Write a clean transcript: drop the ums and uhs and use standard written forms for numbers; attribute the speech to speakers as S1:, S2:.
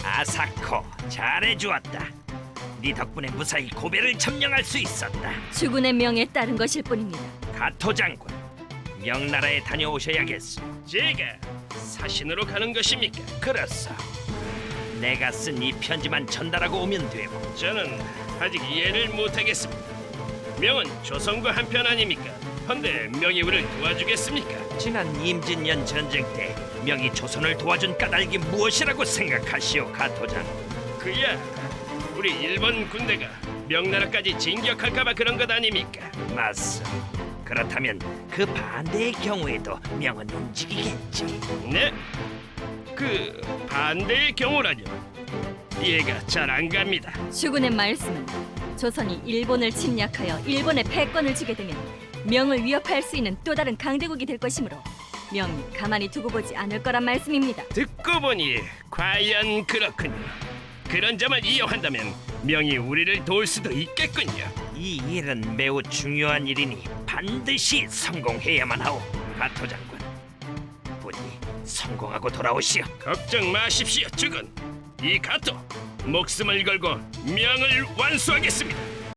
S1: 아사코, 잘해주었다. 네 덕분에 무사히 고베를 점령할 수 있었다.
S2: 주군의 명에 따른 것일 뿐입니다.
S1: 가토 장군, 명나라에 다녀오셔야겠소.
S3: 제가 사신으로 가는 것입니까?
S1: 그렇소. 내가 쓴 이 편지만 전달하고 오면 되고.
S3: 저는 아직 이해를 못하겠습니다. 명은 조선과 한편 아닙니까? 헌데 명이 우리를 도와주겠습니까?
S1: 지난 임진년 전쟁 때 명이 조선을 도와준 까닭이 무엇이라고 생각하시오, 가토 장군?
S3: 그야 우리 일본 군대가 명나라까지 진격할까봐 그런 것 아닙니까?
S1: 맞소. 그렇다면 그 반대의 경우에도 명은 움직이겠지.
S3: 네? 그 반대의 경우라뇨? 이해가 잘 안 갑니다.
S2: 주군의 말씀은 조선이 일본을 침략하여 일본에 패권을 주게 되면 명을 위협할 수 있는 또 다른 강대국이 될 것이므로 명이 가만히 두고 보지 않을 거란 말씀입니다.
S3: 듣고 보니 과연 그렇군요. 그런 점을 이용한다면 명이 우리를 도울 수도 있겠군요.
S1: 이 일은 매우 중요한 일이니 반드시 성공해야만 하오, 가토 장군. 부디 성공하고 돌아오시오.
S3: 걱정 마십시오, 주군. 이 가토 목숨을 걸고 명을 완수하겠습니다.